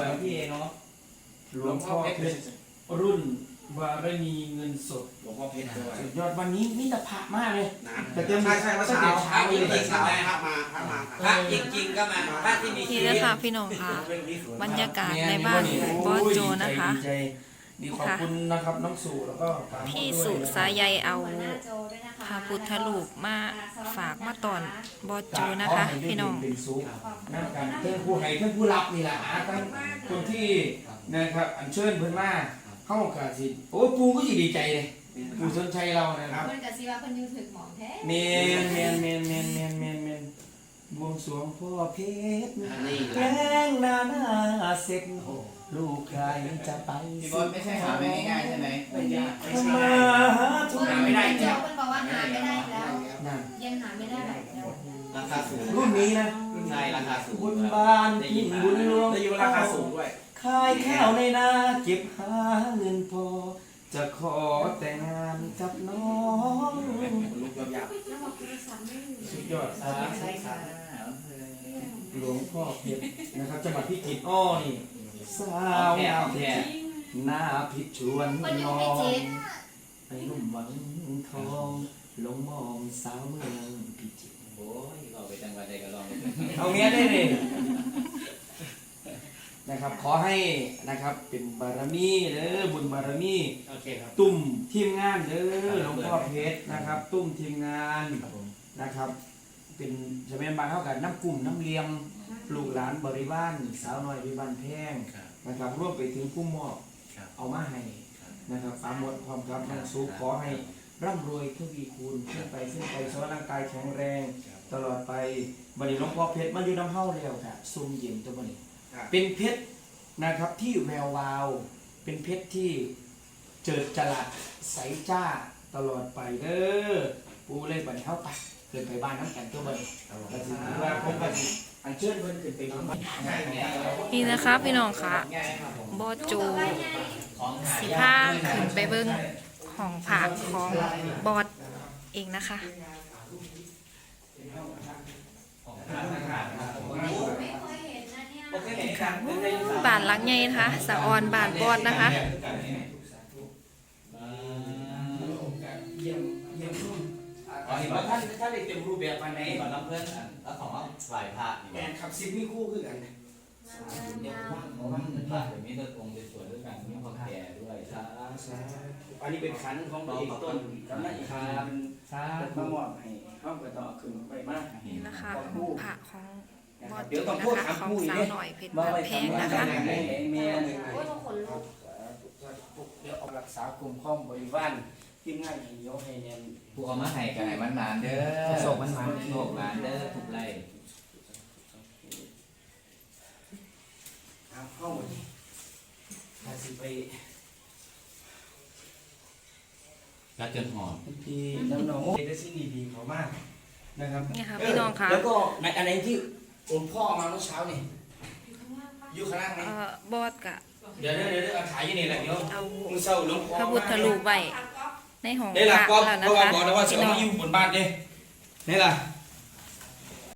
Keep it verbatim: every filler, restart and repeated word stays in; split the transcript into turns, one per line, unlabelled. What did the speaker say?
แล้วพี่เอเนาะ
หลวงพ่อเพชรรุ่นวารณีเงินสด
หลวงพ่อเพชรด้วย
สุดยอดวันนี้มิตรภาพมากเลย
นะ
แต่เตรียม
ใช่ใช่ว่าเช้า
เช้า
จริง
เลย
ๆพระมาพระมา
พระจริงๆก็มาพระที่มีชี
นี่
วิ
นะ
ต
คะพี่น้องค่ะบรรยากาศในบ้านบอสโจนะคะ
ดีใจดีขอบคุณนะครับน้องสู่แล้วก็ปาโมด
พี่
ด้วย
สุสายใยเอา
หัวหน้าโจด้วยนะคะ
พระพุทธรูปมาฝากมาตอนบอสโจนะ
ขอ
คะ
ให้ได้
พี่น้อง
เป็นสุขนั่นกันเพื่อนผู้ให้เพื่อนผู้รับนี่แหละทั้งคนที่นะครับอัญเชิญเพื่อนมาเข้ากาสิโอ้ปูก็จะดีใจเลยปูสนใจเรานะครับ
เพิ่นกับซีว่าเพิ่นอยูถึกหมองแท้
เมนเมนเมนเมนเมนเมนเมนบวงสรวงพ่อเพชร
นี่
แรงนาหน้าเสร็จลูกใครจะไป
พี่บอลไม่ใช่หาไม่ง่ายๆใช่ไหมไม่ยากไม่ใช่
มาหาทุก
หาไม่ได้
โจเพิ่นบอกว่าหาไม่ได้แล้ว
นั่น
ยังหาไม่ได้แล้ว
ราคาสูง
รุ่นนี้นะ
ใช่ราคาสูง
บุญบานกินบุญหลวง
ได้ยินว่าราคาสูงด้วย
ขายข้าวในนาเก็บหาเงินพอ จะขอแต่งงานกับน้อง
ลูกยอดยับ
แล้วบอกโทรศัพท์ไม่มี
สุดยอด
ใช่ค่ะ
หลวงพ่อเพชรนะครับจังหวัดพิจิตรอ้อนี่สาวงามแท้หน้าพิชวน
เพิ่นยั
น้
ง
อ
ไม่เจ็
ง
ด
ไอ้หนุ่มหวังทองหลงมองสาวเมืองพิจิตร
โอ้ยก็ไปจังหวัดใดก็ลอง
เอาเงี้ยได้เลยนะครับขอให้นะครับเป็นบารมีเด้อบุญบารมี
โอเคครับ
ตุ่มทีมงานเด้อหลวงพ่อเพชรนะครับ ตุ้มทีมงานนะครับ เป็นจะเป็นบางเท่ากันน้ำกลุ่มน้ำเลี้ยงลูกหลานบริวารสาวน้อยวิบันแพงนะครับร่วมไปถึงผู้มอบเอามาให้นะครับตามหมดความครับน้องสุขขอให้ร่ำรวยทวีคูณขึ้นไปขึ้นไปสวัสดิ์ร่างกายแข็งแรงตลอดไปบัดนี้หลวงพ่อเพชรมาอยู่น้ำเฮาแล้วค่ะซุ่มเย็นตัวบัดนี้เป็นเพชรนะครับที่แวววาว เป็นเพชรที่เจิดจรัสใสจ้าตลอดไปเด้อปูเลยบัดนี้เฮาไปเกินไปบ้านน้ำกันตัวบัดนี้ก็สิว่าผมก็สิอันเชิญเพิ่นขึ้นไปบ้าน
นี่นะคะพี่น้องค่ะบอสโจสิพาขึ้นไปเบิ้งของผักของบอสเองนะคะ
ไม่เคยเห็นนะเนี่ย
ค่ะบ้านหลังใหญ่นะคะสะออนบ้านบอสนะคะ
เยี่ยมเยี่ยมรุ่นอ๋อเห็นว่าท่านท่านได้เต็มรูปแบบภายใน
ก่อนน้ำเพื่อนแล้วของว่าไหว้พระนี่
แอนขับซิปมีคู่คือกัน
เดี๋ยวว่างเพราะว่าพระเดี๋ยวนี้เลิกองค์สวยๆด้วยกันมีความแก่ด้วยสาธุ
อันนี้เป็นขันของพระเอกต้นกำนันอีกครับสาธุมามอบให้ห้องกระต่อขึ้นไปมาก
นี่นะคะของผักของบอสโจ
เดี๋ยวต้อง
นะ
พูด
คะ
ถาม
ของ
ผู้อีก
สาว
เนี่ย
หน่อยเพชรบ้านแพงนะคะ
เมีย
โอ้ยต้องขนลุก
เดี๋ยวเอารักษากลุ่มข้องบริวารที่ง่ายให้ยกให้เนียน
ผู้เอามาให้กันให้มันนานเด้อ
โศกมันหมาน
โศกหมานเด้อทุกไร
เอาเข้าถ้าสิไป
รัดจนหอม
พี่น้องน้องได้สิ่งดีๆเขามากนะครับ
นี่ค่ะพี่น้องค่ะ
แล้วก็ในอะไรที่หลวงพ่อมาเมื่อเช้านี่อยู่ข้างล่างไหม
เอ่อบอสกะ
เดี๋ยวเดี๋ยวเดี๋ยวเอาถ่ายอยู่นี่แหละเดี๋ยว
เอา
มึงเศร้าหลวงพ่อ
พระพุทธรูปไว้ในห้อง
นี่
พ
แหละ
ระ
ก็
แล้ว
เพ
นะ
ราะว่า
คะ
บอกแล้วว่าจะ
พี่
เอา
น้อง
มาอยู่บนบ้านนี่นี่แหละ